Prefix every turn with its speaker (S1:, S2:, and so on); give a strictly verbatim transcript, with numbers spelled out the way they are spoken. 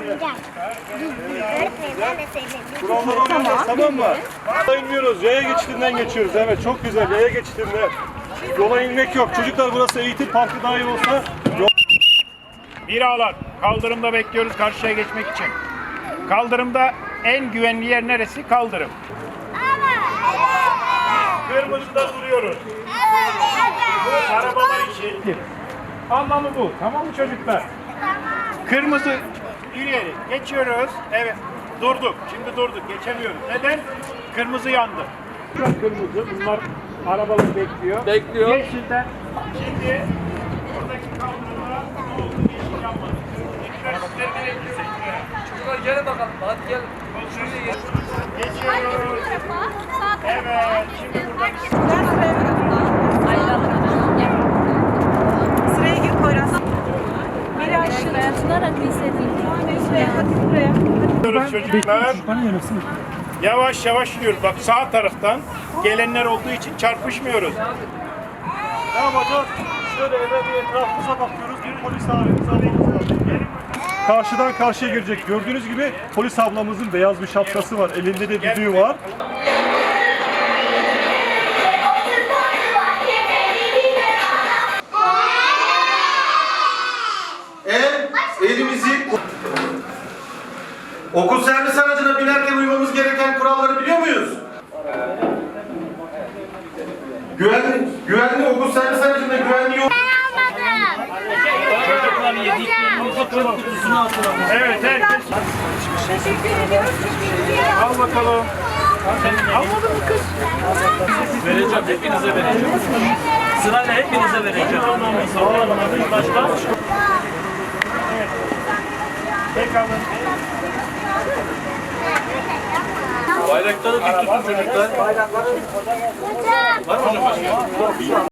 S1: Kurallar olmayacak, tamam mı? Yola inmiyoruz, yaya geçidinden geçiyoruz. Evet, çok güzel, yaya geçidinden. Yola inmek yok. Çocuklar, burası eğitim parkı dahi olsa...
S2: Bir alan. Kaldırımda bekliyoruz karşıya geçmek için. Kaldırımda en güvenli yer neresi? Kaldırım. Kırmızıda duruyoruz. Bu arabalar için. Anlamı bu. Tamam mı çocuklar? Kırmızı ileri geçiyoruz. Evet. Durduk. Şimdi durduk. Geçemiyoruz. Neden? Kırmızı yandı. Kırmızı. Bunlar arabalar bekliyor.
S3: Bekliyor.
S2: Yeşilden. Şimdi buradaki kaldırımda ne oldu? Yeşil yanmadı. Ekranlar gerekirse.
S3: Çocuklar gelin bakalım. Hadi gelin.
S2: Geçiyoruz. Evet. Şimdi buradaki
S4: Sıraya gir Poyraz.
S5: Biri aşırı tutunarak hissedildi.
S4: Hadi buraya.
S2: Gidiyoruz çocuklar. Yavaş yavaş gidiyoruz. Bak sağ taraftan gelenler olduğu için çarpışmıyoruz.
S1: Ne yapacağız? Şöyle eve bir etrafımıza bakıyoruz. Bir polis abimiz ablamız var. Karşıdan karşıya girecek. Gördüğünüz gibi polis ablamızın beyaz bir şapkası var. Elinde de düdüğü var.
S6: El, elimizi... Okul servis aracına binerken uymamız gereken kuralları biliyor muyuz? Güvenli, güvenli okul servis aracında güvenli yol...
S2: Evet herkes.
S4: Teşekkür ediyoruz.
S2: Al bakalım. Almadın mı kız?
S3: Vereceğim. Hepinize vereceğim. Sırayla hepinize vereceğim. Başka?
S2: Tek alın.
S3: Bayrakları dik tutun çocuklar. Var mı hocam başka?